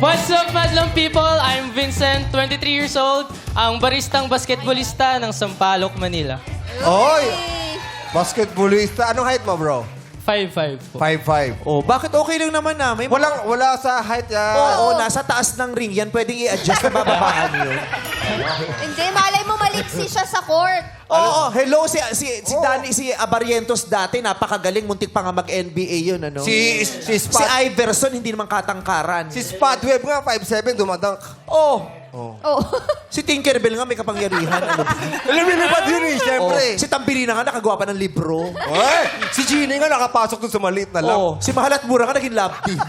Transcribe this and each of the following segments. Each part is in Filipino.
What's up, Madlang people? I'm Vincent, 23 years old, ang baristang basketballista ng Sampaloc, Manila. Oy! Basketballista. Anong height mo, bro? 5'5" po. 5'5". Oh, bakit okay lang naman na? May Wala sa height yan. Oo, nasa taas ng ring yan. Pwedeng i-adjust na bababaan yun. Hindi, malay mo maliksi siya sa court. Oo, hello. Si Danny, si Abarientos dati, napakagaling. Muntik pa nga mag-NBA yun, ano? Si Si Spot. Iverson, hindi naman katangkaran. Si Spotweb nga, 5'7", dumadunk. Oh, Oh. si Tinkerbell nga may kapangyarihan. Ano ba? Lumilipad yun eh, Oh, siyempre. si Tambirina nga nakagawa pa ng libro. Oy! Si Genie nga nakapasok dun sa maliit na lang. Oh, si Mahalat Mura nga naging lab team.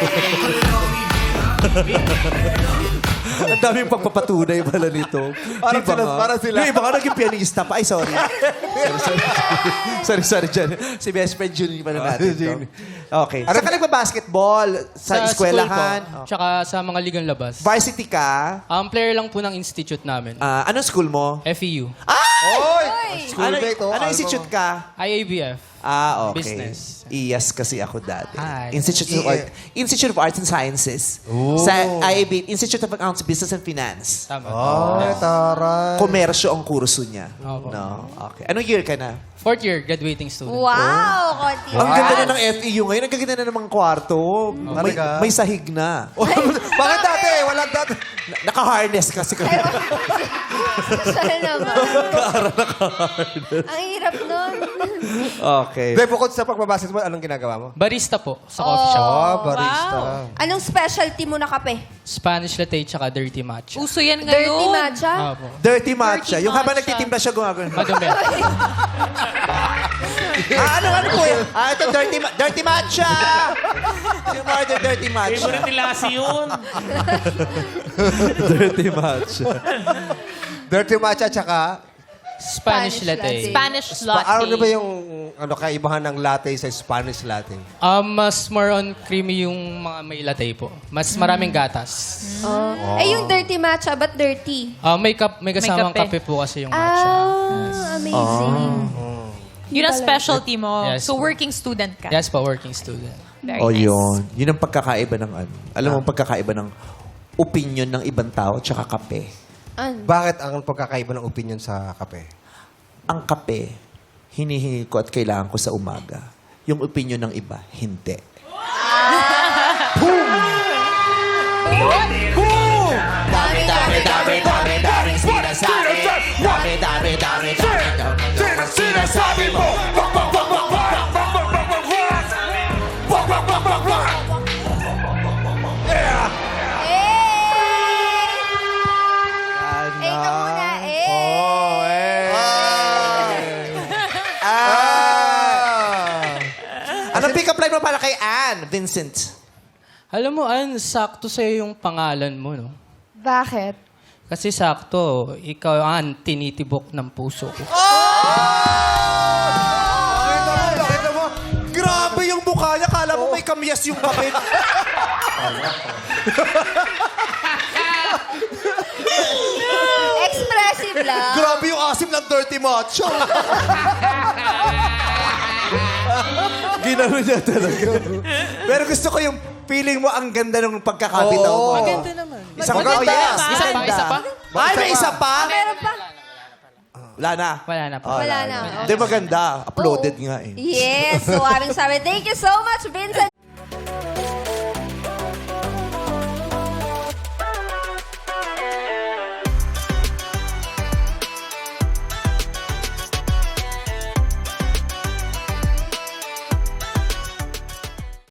Ang daming pagpapatunay pala nito. Parang Di ba sila- nga? parang sila. Yung iba nga naging pianista pa. Ay, sorry. sorry, dyan. Si best friend Junior pa na natin. Junior. Okay. Saan ka nagbabasketball? Sa eskwelahan? School po, tsaka sa mga ligang labas. Varsity ka? Player lang po ng institute namin. Anong school mo? FEU. Oy! Ano, Schoolmate, oh. ano institute ka? IABF. Okay. Business. IAS kasi ako dati. Hi. Institute of Arts and Sciences. Sa IAB, Institute of Accounts, Business and Finance. Tama. Ay, taray. Komersyo ang kurso niya. Opo. No? Okay. Anong year ka na? Fourth year, graduating student. Wow, konti. Ang ganda na ng FEU ngayon. Ang ganda na ng mga kwarto. May, Talaga? may sahig na. Bakit dati? Walang dati. Naka-harness kasi kami. Sana naman. Ang hirap nun. Okay. Be, bukod sa pagbabasketball, anong ginagawa mo? Barista po sa coffee shop. Oh, barista. Anong specialty mo na kape? Spanish latte tsaka dirty matcha. Uso yan Dirty ngayon. matcha? Opo. Dirty matcha. Dirty Yung habang matcha. nagtitimpla siya gumagano. Madumi. ano po yan? Ito, dirty matcha! Yung mga dirty matcha. Favorite ni Lassie yun. Dirty matcha. Dirty matcha, tsaka... Spanish latte. Spanish latte. Ano ba yung kaibahan ng latte sa Spanish latte? Mas more on creamy yung mga may latte po. Mas maraming gatas. Eh, yung dirty matcha, but dirty? May kasamang kape. kape po kasi yung matcha. Amazing. Yun ang specialty mo. Yes. So, working student ka. Yes po, working student. Very O nice. yun. Yun ang pagkakaiba ng ano. Alam mo ang pagkakaiba ng opinion ng ibang tao tsaka kape. Bakit ang pagkakaiba ng opinion sa kape? Ang kape, hinihingi ko at kailangan ko sa umaga. Yung opinion ng iba, hindi. Eh, ka muna, eh. Oh, Anong pick-up line mo para kay Ann, Vincent? Alam mo, Ann, sakto sa'yo yung pangalan mo, no? Bakit? Kasi sakto, ikaw, Ann, tinitibok ng puso ko. Bakit mo? Grabe yung mukha niya. Kala mo may kamyas yung kapit. Expressive lang. Grabe yung asim ng dirty macho. Ginano niya talaga. Pero gusto ko yung feeling mo ang ganda ng pagkakabitaw mo. Maganda naman. Isa pa? Maganda Oh, yes. naman. Isa pa, isa pa? Ay, may isa pa? Meron pa? Wala na. Wala na pa. Wala na. Hindi maganda. Uploaded nga eh. Yes, so aming sabi. Thank you so much, Vincent.